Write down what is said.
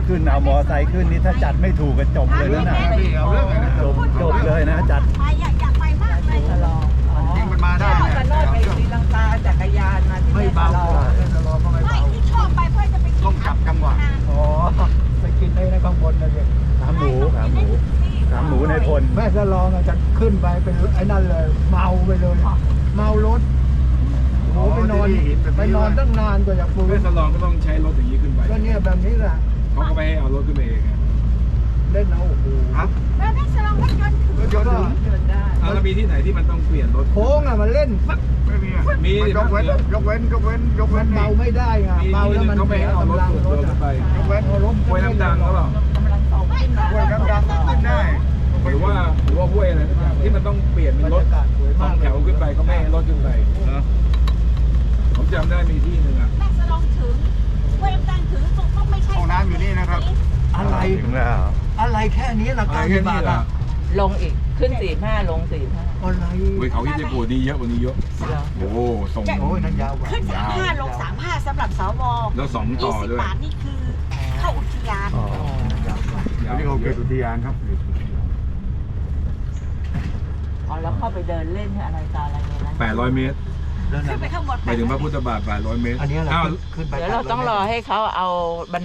ขึ้นเอามอไซค์ขึ้นนี่ถ้าจัดไม่ถูกก็จบเลยนะจบเลยนะจัดไปอยากไปมากเลยจะลองจริงมันมาได้ชอบกันโนดไปศรีลังกาจักรยานมาที่ไม่แม่เบาสลองจะรอก็ไม่ไม่เบาที่ชอบไปเพื่อจะไปกินต้องจับจังหวะอ๋อไปกินในข้างบนนะเด็กขาหมูในพลแม่จะลองจะขึ้นไปเป็นไอ้นั่นเลยเมาไปเลย เมารถโอ้ไปนอนตั้งนานกว่าจะฟื้แม่นสลองก็ต้องใช้รถอย่างนี้ขึ้นไปก็เนี่ยแบบนี้แหละเขาก็ไม่ให้เอารถขึ้นไปเองไงเล่นเอาโอ้โหครับแล้วได้สลองรถยนต์ถึงรถยนต์ถึงเดินได้แล้วมีที่ไหนที่มันต้องเปลี่ยนรถโค้งอ่ะมันเล่นไม่มีมียกเว้นมันเมาไม่ได้ไงมีเมาแล้วมันเขาไม่ให้เอารถกำลังส่วนรตัวถขึ้นไปยกเว้นรถห้วยน้ำดังก็เปล่ากำลังโตขึ้นมาห้วยน้ำดังขึ้นได้หรือว่าห้วยอะไรสักอย่างที่มันต้องเปลี่ยนเป็นรถสองแถวขึ้นไปเขาไม่ให้รถขึ้นไปนะผมจำได้มีที่หนึ่งอ่ะแม่สลองถึงเวฟดังถึงต้องไม่ใช่ห้องน้ำอยู่นี่นะครับ อะไรถึงแล้วอะไรแค่นี้ราอะไรคาแค่กี่นี้บาทเหรออ่ะลงอีกขึ้น45ลง45 อะไรเว้ยเขาที่จะปวดดีเยอะกว่านี้เยอะโอ้โหส่งโอ้ยนั่นยาวกว่าขึ้น35ลง35สำหรับสวแล้วสองต่อด้วย 20 บาทนี่คือเข้าอุทยานอ๋อนี่เขาเกิดอุทยานครับอ๋อแล้วเข้าไปเดินเล่นอะไรตาอะไรอย่างนั้น 800 เมตรขึ้นไปข้างบนไปถึงพระพุทธบาท800 เมตรอันนี้แหละอ้าวขึ้นไปเดี๋ยวเราต้องรอให้เขาเอาบัน